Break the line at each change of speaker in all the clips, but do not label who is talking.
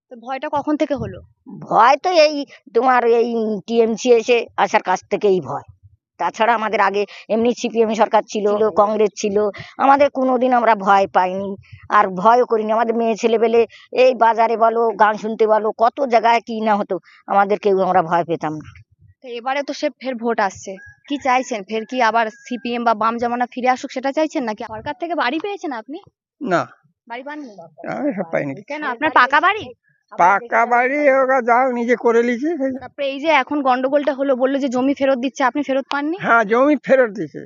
তো ভয়টা কখন থেকে হলো?
ভয় তো এই তোমার এই টিএমসি এসে আসার কাছ থেকেই ভয়। তাছাড়া আমাদের আগে এমনি সিপিএম সরকার ছিল, কংগ্রেস ছিল, আমাদের কোনোদিন আমরা ভয় পাইনি, আর ভয়ও করিনি। আমাদের মেয়ে ছেলেপেলে এই বাজারে বলো, গান শুনতে বলো, কত জায়গায় কি না হতো, আমাদের কেউ আমরা ভয় পেতাম না।
তো এবারে তো ফের ভোট আসছে, কি চাইছেন? ফের কি আবার সিপিএম বা বাম জামানা ফিরে আসুক সেটা চাইছেন, নাকি সরকার থেকে বাড়ি পেয়েছেন আপনি?
না,
বাড়ি পাননি?
আমি সব পাইনি।
কেন, আপনার পাকা বাড়ি?
পাকা বাড়ি ওরা যাও নিজে করে লিছি।
তারপরে এই যে এখন গন্ডগোলটা হলো, বললো যে জমি ফেরত দিচ্ছে, আপনি ফেরত পাননি?
হ্যাঁ, জমি ফেরত দিছে।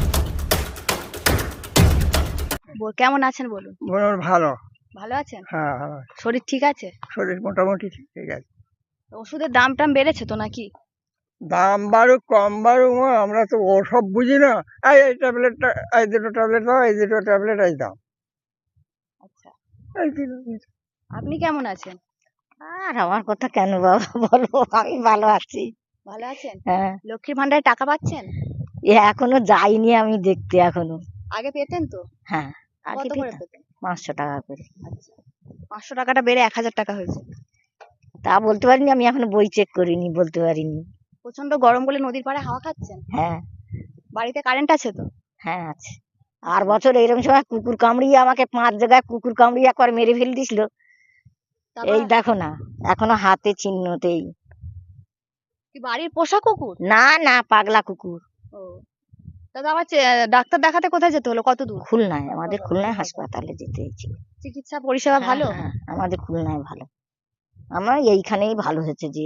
কেমন আছেন বলুন?
ভালো।
ভালো আছেন?
হ্যাঁ, ভালো।
শরীর ঠিক আছে?
শরীর মোটামুটি ঠিক আছে।
ওষুধের দাম টাম বেড়েছে তো নাকি?
দাম বাড়ুক কম বাড়ুক আমরা তো ওসব বুঝি না। এই ট্যাবলেটটা, এই দুটো ট্যাবলেট দাও, এই দুটো ট্যাবলেট এই দাও।
আচ্ছা,
এই দিল।
আপনি কেমন আছেন?
আর আমার কথা কেন বাবা বলো, আমি ভালো আছি।
ভালো আছেন?
হ্যাঁ,
লক্ষ্মীর ভান্ডারে টাকা পাচ্ছেন?
এখনো যাইনি আমি দেখতে এখনো।
আগে পেতেন তো?
হ্যাঁ, আগে
কত করে
পেতাম
পেতেন?
500 টাকা করে।
আচ্ছা, 500 টাকাটা বেড়ে 1000 টাকা হয়েছে।
তা বলতে পারিনি, আমি এখনো বই চেক করিনি, বলতে পারিনি।
প্রচন্ড গরম বলে নদীর পাড়ে হাওয়া খাচ্ছেন?
হ্যাঁ,
বাড়িতে কারেন্ট আছে তো?
হ্যাঁ আছে। আর বছর এইরকম সময় কুকুর কামড়িয়ে আমাকে 5 জায়গায় কুকুর কামড়িয়ে একবার মেরে ফেল দিছিল।
তারপর
এই দেখো না, এখনো হাতে চিহ্নতেই।
কি বাড়ির পোষা কুকুর?
না না, পাগলা কুকুর।
ও, দাদা আবার ডাক্তার দেখাতে কোথায় যেতে হলো, কত দূর?
খুলনায়, আমাদের খুলনায় হাসপাতালে যেতে হয়েছিল।
চিকিৎসা পরিষেবা ভালো?
হ্যাঁ, আমাদের খুলনায় ভালো। আমার এইখানেই ভালো হয়েছে যে।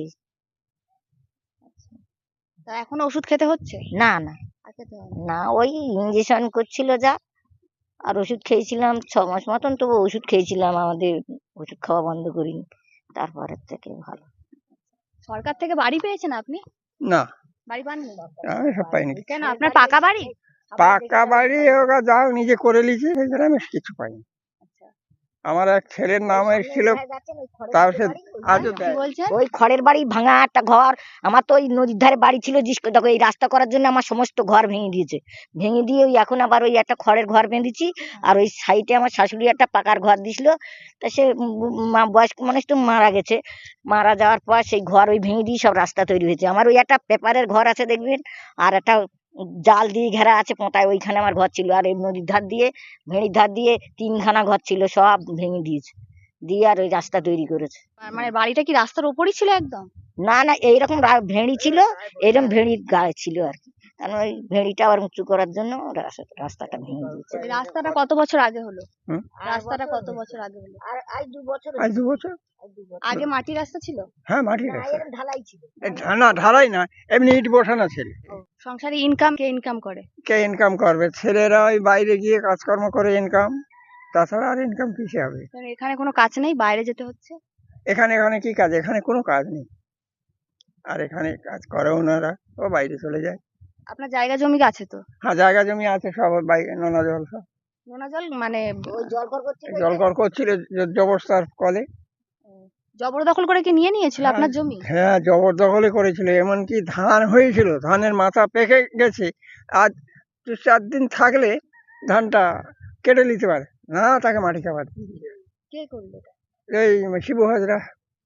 তা এখন ওষুধ খেতে হচ্ছে?
না না
আর খেতে হবে না?
না, ওই ইঞ্জেকশন করছিল যা, আর ওষুধ খেয়েছিলাম 6 মাস মতন, তবু ওষুধ খেয়েছিলাম, আমাদের ওষুধ খাওয়া বন্ধ করিনি, তারপরের থেকে ভালো।
সরকার থেকে বাড়ি পেয়েছেন আপনি?
না,
বাড়ি পাননি?
আমি সব পাইনি।
কেন, আপনার পাকা বাড়ি?
পাকা বাড়ি ওরা যাও নিজে করে লিছি, সেখানে আমি কিছু পাইনি।
আচ্া,
আমার এক ছেলের নাম এসেছিল, তার সে আজও
কি
দেয়।
বলছেন?
ওই খড়ের বাড়ি, ভাঙা একটা ঘর। আমার তো ওই নদীর ধারে বাড়ি ছিল, দেখো এই রাস্তা করার জন্য আমার সমস্ত ঘর ভেঙে দিয়েছে। ভেঙে দিয়ে ওই এখন আবার ওই একটা খড়ের ঘর বেঁধেছি, আর ওই সাইডে আমার শাশুড়ি একটা পাকার ঘর দিছিল। তা সে বয়স্ক মানুষ তো মারা গেছে, মারা যাওয়ার পর সেই ঘর ওই ভেঙে দিয়ে সব রাস্তা তৈরি হয়েছে। আমার ওই একটা পেপারের ঘর আছে দেখবেন, আর একটা জাল দিয়ে ঘেরা আছে পোঁতায়, ওইখানে আমার ঘর ছিল। আর এই নদীর ধার দিয়ে, ভেড়ির ধার দিয়ে 3খানা ঘর ছিল, সব ভেঙে দিয়েছে, দিয়ে আর ওই রাস্তা তৈরি করেছে।
মানে বাড়িটা কি রাস্তার উপরই ছিল একদম?
না না, এইরকম ভেড়ি ছিল, এরকম ভেড়ির গায়ে ছিল আর কি। কারণ ওই ভেড়িটা আবার উঁচু করার জন্য রাস্তাটা ভেঙে দিয়েছে।
এই রাস্তাটা কত বছর আগে হলো?
হুম?
রাস্তাটা কত বছর আগে হলো?
আর আজ 2 বছর,
আজ 2 বছর।
আগে মাটির রাস্তা ছিল?
হ্যাঁ, মাটির
না,
রাস্তা।
এরকম ঢালাই ছিল।
না, ঢালাই না, এমনি ইট বসানো ছিল।
সংসারে ইনকাম কে ইনকাম করে?
কে ইনকাম করবে? ছেলেরা ওই বাইরে গিয়ে কাজকর্ম করে ইনকাম, তাছাড়া আর ইনকাম কিসে হবে?
কারণ এখানে কোনো কাজ নেই, বাইরে যেতে হচ্ছে।
এখানে কি কাজ? এখানে কোনো কাজ নেই, আর এখানে কাজ করে ওনারা, ও বাইরে চলে যায়।
আপনার জায়গা জমি আছে তো?
হ্যাঁ, জায়গা জমি আছে সব, বাইরে নোনা জল সব।
নোনা জল মানে?
ওই জলকর করছিল,
জলকর করছিল জবরদস্তার কলে।
জবরদখল করে কি নিয়ে নিয়েছিল আপনার জমি?
হ্যাঁ, জবরদখলে করেছিল, এমনকি ধান হয়েছিল, ধানের মাথা পেকে গেছে, আজ 4 দিন থাকলে ধানটা কেটে নিতে পারে না, তাকে মাটি চাপা দিয়ে দিল।
কে করলো এটা?
এই শিবু হাজরা।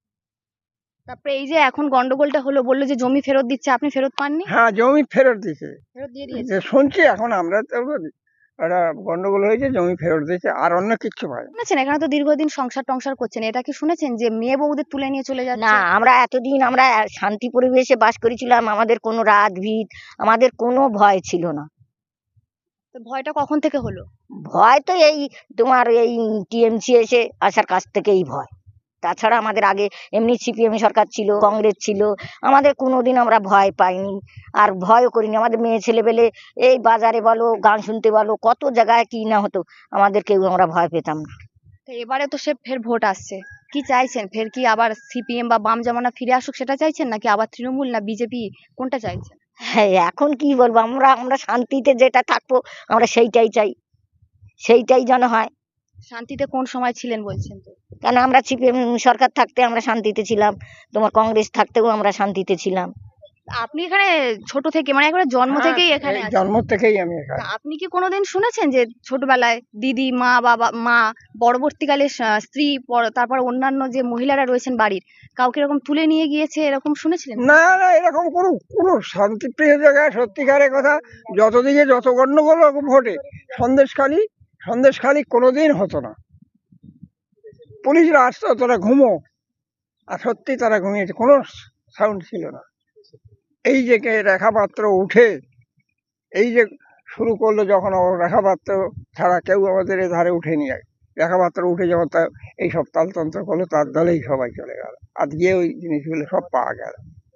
তারপরে এই যে এখন গন্ডগোলটা হলো, বললো যে জমি ফেরত দিচ্ছে, আপনি ফেরত পাননি?
হ্যাঁ, জমি ফেরত দিছে।
ফেরত দিয়ে দিয়েছে?
যে শুনছি এখন, আমরা তো একটা গন্ডগোল হয়েছে, জমি ফেরত দিয়েছে, আর অন্য কিচ্ছু পাই।
শুনেছেন এখানে তো দীর্ঘদিন সংসার টংসার করছেন, এটা কি শুনেছেন যে মেয়ে বউদের তুলে নিয়ে চলে যাচ্ছে?
না, আমরা এতদিন আমরা শান্তি পরিবেশে বাস করেছিলাম, আমাদের কোনো রাত ভিত, আমাদের কোনো ভয় ছিল না।
তো ভয়টা কখন থেকে হলো?
ভয় তো এই তোমার এই টিএমসি এসে আসার কাছ থেকেই ভয়। তাছাড়া আমাদের আগে এমনি সিপিএম সরকার ছিল, কংগ্রেস ছিল, আমাদের কোনোদিন আমরা ভয় পাইনি, আর ভয়ও করিনি। আমাদের মেয়ে ছেলেপেলে এই বাজারে বলো, গান শুনতে বলো, কত জায়গায় কি না হতো, আমাদের কেউ আমরা ভয় পেতাম না।
তো এবারে তো ফের ভোট আসছে, কি চাইছেন? ফের কি আবার সিপিএম বা বাম জামানা ফিরে আসুক সেটা চাইছেন, নাকি আবার তৃণমূল না বিজেপি, কোনটা চাইছেন?
হ্যাঁ, এখন কি বলবো, আমরা আমরা শান্তিতে যেটা থাকবো আমরা সেইটাই চাই, সেইটাই যেন হয়।
শান্তিতে কোন সময় ছিলেন বলছেন তো?
কেন, আমরা সিপিএম সরকার থাকতে আমরা শান্তিতে ছিলাম, তোমার কংগ্রেস থাকতেও আমরা শান্তিতে ছিলাম।
আপনি এখানে ছোট থেকে মানে একবারে জন্ম
হ্যাঁ,
থেকেই এখানে
এই
আছেন।
জন্ম থেকেই আমি এখানে।
তা আপনি কি কোনোদিন শুনেছেন যে ছোটবেলায় দিদি মা পরবর্তীকালে স্ত্রী তারপর অন্যান্য যে মহিলারা রয়েছেন বাড়ির কাউকে এরকম তুলে নিয়ে গিয়েছে এরকম শুনেছিলেন?
না না, এরকম কোনো কোনো শান্তিপ্রিয় জায়গায় সত্যিকারের কথা, যতদিকে যত গন্ডগোল রকম ঘটে, সন্দেশখালি কোনোদিন হতো না। পুলিশরা আসতো, তারা ঘুমো, আর সত্যি তারা ঘুমিয়েছে, কোনো সাউন্ড ছিল না। এই যে রেখা পাত্র উঠে এই যে শুরু করলো, যখন ও রেখা পাত্র ছাড়া কেউ আমাদের এ ধারে উঠেনি। রেখা পাত্র উঠে যখন তা এইসব তালতন্ত্র করলো, তার দলেই সবাই চলে গেল। আজকে ওই জিনিসগুলো সব পাওয়া গেল,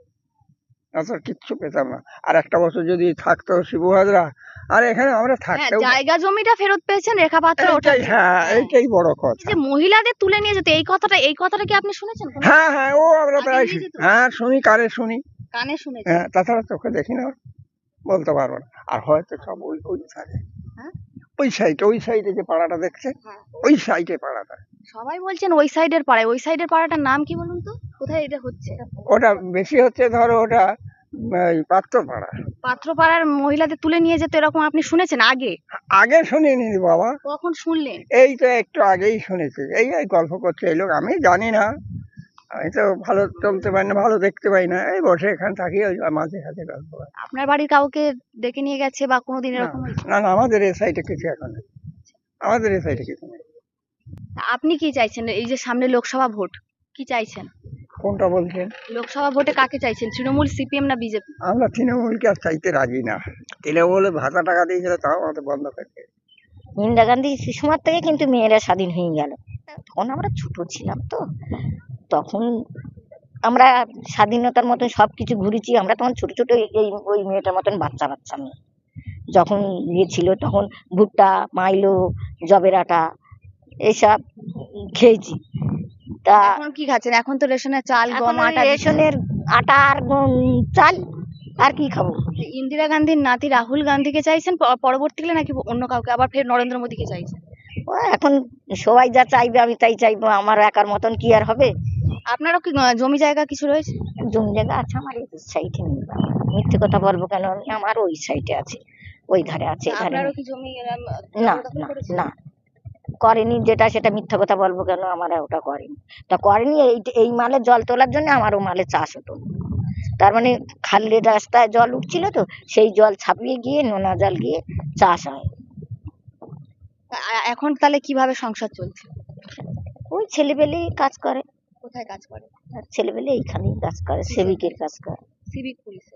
তাছাড়া কিচ্ছু পেতাম না। আর একটা বছর যদি থাকতো শিবু হাজরা, আর এখানে আমরা
হ্যাঁ,
থাকতেও,
জায়গা জমিটা ফেরত পেয়েছেন রেখা পাত্র ওটা।
এইটাই, হ্যাঁ এইটাই বড়
এই
কথা।
যে মহিলাদের তুলে নিয়ে যেত এই কথাটা কি আপনি শুনেছেন কোনো?
হ্যাঁ হ্যাঁ, ও আমরা
আগে
প্রায়
নিয়ে যেত?
হ্যাঁ শুনি, কানে শুনি।
কানে শুনেছেন?
হ্যাঁ, তাছাড়া চোখে দেখি না, বলতে পারবো না। আর হয়তো সব ওই ওই সাইডে,
হ্যাঁ?
ওই সাইডে যে পাড়াটা দেখছে,
হ্যাঁ।
ওই সাইডে পাড়াটা।
সবাই বলছেন ওই সাইডের পাড়াটার নাম কি বলুন তো? কোথায় এটা হচ্ছে?
ওটা বেশি হচ্ছে, ধরো ওটা পাত্র পাড়া।
পাত্রপাড়ার মহিলাদের তুলে নিয়ে যেত এরকম আপনি শুনেছেন আগে?
আগে শুনিনি বাবা,
কখন শুনলেন?
এই তো একটু আগেই শুনেছি। এই এই গল্প করছে এই লোক, আমি জানি না, আমি তো ভালো চলতে পারি না, ভালো দেখতে পাই না, এই বসে এখানে থাকি, ওই মাঝে সাথে গল্প হয়।
আপনার বাড়ির কাউকে ডেকে নিয়ে গেছে বা কোনোদিন
না
এরকম হয়েছে?
না না, আমাদের এই সাইডে কিছু এখন নেই, আমাদের এই সাইডে কিছু নেই।
তা আপনি কি চাইছেন এই যে সামনে লোকসভা ভোট, কি চাইছেন?
কোনটা বলছেন?
লোকসভা ভোটে কাকে চাইছেন, তৃণমূল, সিপিএম না বিজেপি?
আমরা তৃণমূলকে আর চাইতে রাজি না। তৃণমূলে ভাতা টাকা দিয়েছিল, তাও আমাদের বন্ধ করে।
ইন্দিরা গান্ধী সুষমার থেকে কিন্তু মেয়েরা স্বাধীন হয়ে গেল। তখন আমরা ছোট ছিলাম তো, তখন আমরা স্বাধীনতার মতন সবকিছু ঘুরেছি। আমরা তখন ছোট ছোট এই ওই মেয়েটার মতন বাচ্চা বাচ্চা মেয়ে যখন ইয়ে ছিল, তখন ভুট্টা, মাইলো, জবের আটা এইসব খেয়েছি। তা
এখন কি খাচ্ছেন? এখন তো রেশনের চাল
এখন
গম
ওই
আটা দিচ্ছে।
রেশনের আটা আর চাল, আর কি খাবো?
ইন্দিরা গান্ধীর নাতি রাহুল গান্ধীকে চাইছেন পরবর্তীকালে নাকি অন্য কাউকে, আবার ফের নরেন্দ্র মোদীকে চাইছেন?
ও এখন সবাই যা চাইবে আমি তাই চাইবো, আমার একার মতন কি আর হবে?
আপনারও কি জমি জায়গা কিছু রয়েছে?
জমি জায়গা আছে আমার এই সাইডে নেই বাবা, মিথ্যে কথা বলবো কেন আমি? আমার ওই সাইডে আছে, ওই ধারে আছে, এই ধারে
আপনারও
নেই।
কি জমি
না
জবরদখল
না
করেছে?
না, করেনি। যেটা সেটা মিথ্যা কথা বলবো কেন? আমার ওটা করেনি। তা করেনি, এই মালে জল তোলার জন্য আমার ও মালে চাষ হতো না। তার মানে খালের রাস্তায় জল উঠছিল তো, সেই জল ছাপিয়ে গিয়ে নোনা জল গিয়ে চাষ হয়।
এখন তাহলে কিভাবে সংসার চলছে?
ওই ছেলেবেলেই কাজ করে,
কোথায় কাজ করে?
আর ছেলেবেলে এইখানেই কাজ করে, সেবিকের কাজ করে।
সিভিক পুলিশে।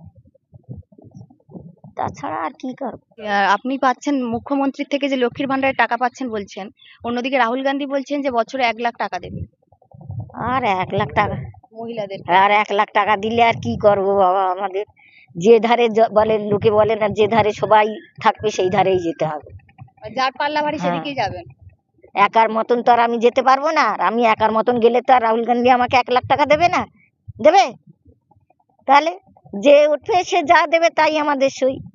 তাছাড়া আর কি করবো?
আপনি পাচ্ছেন মুখ্যমন্ত্রীর থেকে যে লক্ষ্মীর ভান্ডারের টাকা পাচ্ছেন বলছেন, অন্যদিকে রাহুল গান্ধী বলছেন যে বছরে 1 লাখ টাকা দেবে
আর 1 লাখ টাকা,
মহিলাদের।
আর 1 লাখ টাকা দিলে আর কি করবো বাবা? আমাদের যে ধারে বলে, লোকে বলে না, যে ধারে সবাই থাকবে সেই ধারেই যেতে হবে।
যার পাল্লা ভারী
হ্যাঁ।
সেদিকেই যাবেন।
একার মতন তো আর আমি যেতে পারবো না। আর আমি একার মতন গেলে তো আর রাহুল গান্ধী আমাকে 1 লাখ টাকা দেবে না, দেবে? তাহলে যে উঠবে সে যা দেবে তাই আমাদের সই।